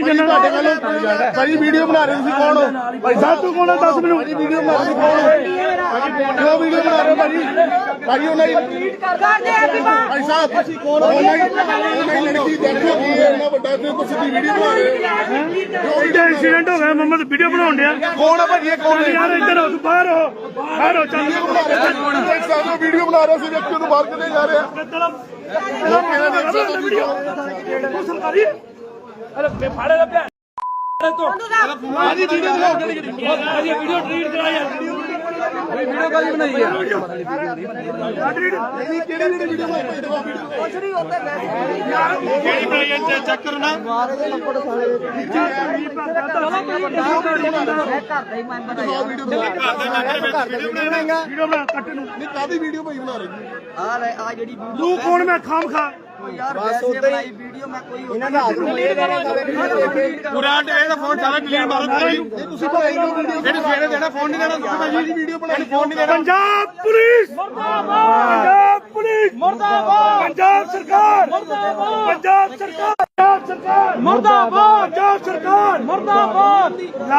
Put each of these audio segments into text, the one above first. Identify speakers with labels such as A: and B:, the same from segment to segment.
A: देना
B: भाई वीडियो बना रहे हो कौन हो
A: भाई साहब तू कौन है 10 मिनट
B: वीडियो बना रहे हो कौन हो क्यों वीडियो बना रहे हो भाई भाई नहीं भाई साहब कौन हो नहीं लड़की देखो कि ये ना बड़ा से कुछ वीडियो बना रहे हो
A: एक्सीडेंट हो गया मोहम्मद वीडियो बनाउन दिया
B: कौन है भाई ये कौन है
A: यार इधर हो तू बाहर हो चल
B: वीडियो बना रहे थे व्यक्तियों को बाहर चले जा रहे हैं
A: सरकारी अरे फाड़े तो वीडियो डिलीट करा यार वीडियो काली बनाई है चेक करो ना
B: वीडियो भाई बना रहे
A: तू कौन मैं खाम खा
B: पूरा फोन सारा डिलीट मारो देना फोन नहीं देना वीडियो बना फोन नहीं देना
A: पंजाब पुलिस पंजाब पुलिस मुर्दाबाद पंजाब सरकार पंजाब सरकार मुर्दाबाद पंजाब सरकार मुर्दाबाद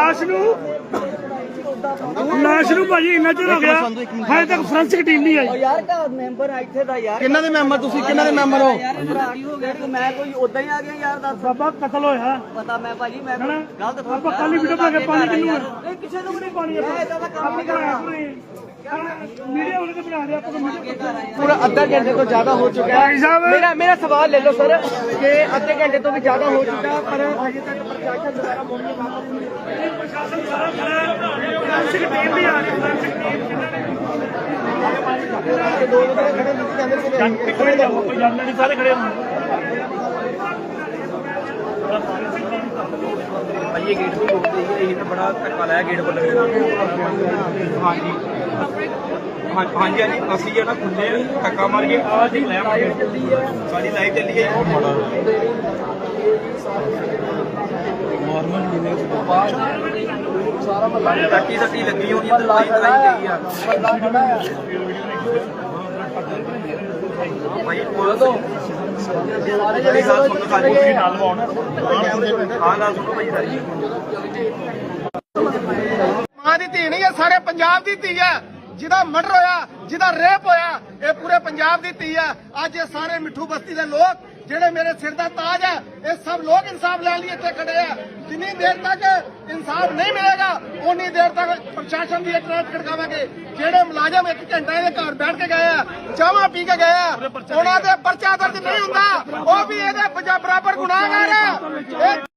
A: लाश ਨੂੰ ਭਾਜੀ ਇੰਨਾ ਚਿਰ ਹੋ ਗਿਆ ਹਾਲੇ ਤੱਕ ਫੋਰੈਂਸਿਕ ਟੀਮ ਨਹੀਂ ਆਈ
C: ਯਾਰ ਦਾ ਮੈਂਬਰ ਆ ਇੱਥੇ ਦਾ ਯਾਰ
B: ਕਿੰਨਾ ਦੇ ਮੈਂਬਰ ਤੁਸੀਂ ਕਿੰਨਾ ਦੇ ਮੈਂਬਰ ਹੋ
C: ਯਾਰ ਭਰਾੜੀ ਹੋ ਗਿਆ ਮੈਂ ਕੋਈ ਉਦਾਂ ਹੀ ਆ ਗਿਆ ਯਾਰ ਦੱਸ
A: ਬਾਬਾ ਕਤਲ ਹੋਇਆ
C: ਪਤਾ ਮੈਂ ਭਾਜੀ ਮੈਂ ਗਲਤ
A: ਆਪਾਂ ਕੱਲ ਵੀਡੀਓ ਬਣਾ ਕੇ ਪਾਣੀ ਕਿੰਨੂੰ
C: ਨਹੀਂ ਕਿਸੇ ਨੂੰ ਵੀ ਨਹੀਂ
A: ਪਾਣੀ
C: ਮੈਂ ਇਦਾਂ ਦਾ ਕੰਮ ਨਹੀਂ ਕਰਨਾ
A: ਵੀਡੀਓ ਉਹਨੇ ਬਣਾ ਦਿਆ ਆਪਾਂ
C: पूरा आधा घंटे तो ज्यादा हो चुका है मेरा सवाल ले लो सर कि आधे घंटे तो भी ज्यादा हो चुका है पर अभी तक प्रशासन द्वारा
A: प्रशासन सारा खड़ा है फॉरेंसिक टीम भी आ रही है खड़े जाओ कोई जानना नहीं सारे खड़े हों
D: ये गेट को रोक दी है ये बड़ा धक्का लाया गेट पर लगे हाँ जी हाँ जी हाँ जी असि जो ना खुले धक्का मार के सारी लाइव चली है टट्टी सट्टी लगी होनी है लाइव गई है भाई बोलो तो
B: ਮਾਂ ਦੀ ਧੀ ਨਹੀਂ ਹੈ ਸਾਰੇ ਪੰਜਾਬ ਦੀ ਧੀ ਹੈ ਜਿਹਦਾ ਮਰਡਰ ਹੋਇਆ ਜਿਹਦਾ ਰੇਪ ਹੋਇਆ ਇਹ ਪੂਰੇ ਪੰਜਾਬ ਦੀ ਧੀ ਹੈ ਅੱਜ ਇਹ ਸਾਰੇ ਮਿੱਠੂ ਬਸਤੀ ਦੇ ਲੋਕ ਜਿਹੜੇ ਮੇਰੇ ਸਿਰ ਦਾ ਤਾਜ ਹੈ ਇਹ ਸਭ ਲੋਕ ਇਨਸਾਫ ਲੈਣ ਲਈ ਇੱਥੇ ਖੜੇ ਆ ਜਿੰਨੀ ਦੇਰ ਤੱਕ ਇਨਸਾਫ ਨਹੀਂ ਮਿਲੇਗਾ ਉਨੀ ਦੇਰ ਤੱਕ ਪ੍ਰਸ਼ਾਸਨ ਦੀ ਇਤਰਾਜ਼ ਖੜਕਾਵਾਂਗੇ ਜਿਹੜੇ ਮੁਲਾਜ਼ਮ 1 ਘੰਟਾ ਇਹਦੇ ਘਰ ਬੈਠ ਕੇ ਗਏ ਆ ਚਾਹਾਂ ਪੀ ਕੇ ਗਏ ਆ ਉਹਨਾਂ ਦੇ ਪਰਚਾ ਦਰਜ ਨਹੀਂ ਹੁੰਦਾ ਉਹ ਵੀ ਇਹਦੇ ਬਰਾਬਰ ਗੁਨਾਹਗਾਰ ਆ